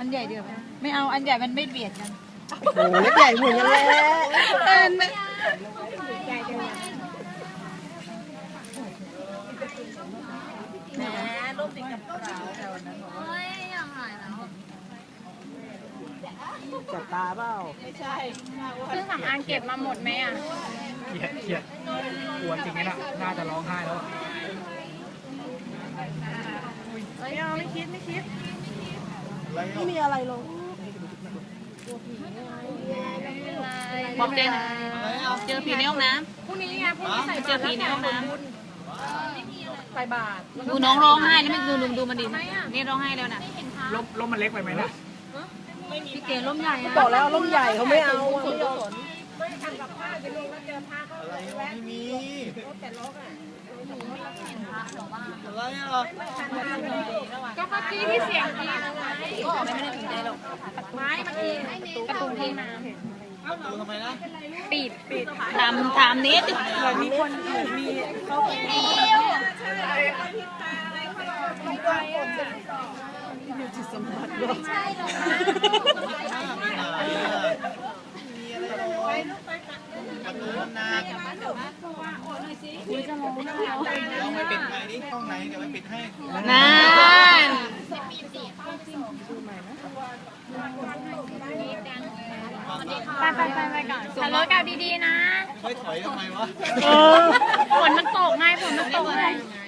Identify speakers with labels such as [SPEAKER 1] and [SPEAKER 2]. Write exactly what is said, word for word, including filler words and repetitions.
[SPEAKER 1] นใหญ่เดียวไม่เอาอันใหญ่มันไม่เบียดกัน
[SPEAKER 2] โอ้เล็กใหญ่เหมือนกันเลย
[SPEAKER 1] เออไม่แหมรูปติดกับกระเป๋าแต่วันนั้นเฮ้ยอยากหายแล้ว
[SPEAKER 2] จับตาเปล่า
[SPEAKER 1] ไม่ใช่เครื่องสำอางเก็บมาหมดไหมอ่ะ
[SPEAKER 3] เขียดเขียดกลัวจริงๆนะน่าจะร้องไห้แล้ว
[SPEAKER 1] ไม่เอาไม่คิดไม่คิด
[SPEAKER 2] ไม่มีอะไรลง
[SPEAKER 1] บอกเจนเจอผีในห้องน้ำพรุ่งนี้ไงพรุ่งนี้ใส่เจอผีในห้องน้ำใส่บาตรดูน้องร้องไห้แล้วไม่ดูดูดูมันดินี่ร้องไห้แล้วนะ
[SPEAKER 3] ร่มร่มมันเล็กไปไหมนะ
[SPEAKER 1] พี่เก๋ร่มใหญ่
[SPEAKER 2] บอกแล้วร่มใหญ่เขาไม่เอา
[SPEAKER 4] ไม่ทำกับผ้าไปลงแล้วเจอผ้าเขาอะไรไม่มีแต่ล็อกอ่ะ
[SPEAKER 2] อะไรอ่ะ
[SPEAKER 1] ก็เมื่อกี้ที่เสียงดีก็ไม่ได้ถึงใจหรอกไม้เมื่อกี้ประตูที่น้ำ
[SPEAKER 2] ประตูทำไมนะ
[SPEAKER 1] ปิดปิดทำทำนิดมีคนมีเขาเอวไม่ใช่หรอกใช่หรอก
[SPEAKER 2] นา
[SPEAKER 1] คุณจะมองหน้าเรา
[SPEAKER 2] เราไม่ปิดไงนี่ห้องไหนเดี๋ยวไม่ปิดให้
[SPEAKER 1] นั่นไปไปไปไปก่อนขับรถกลับดีๆนะ
[SPEAKER 2] ค่อยถอยทำไมวะ
[SPEAKER 1] ฝนมันตกไงฝนมันตกไง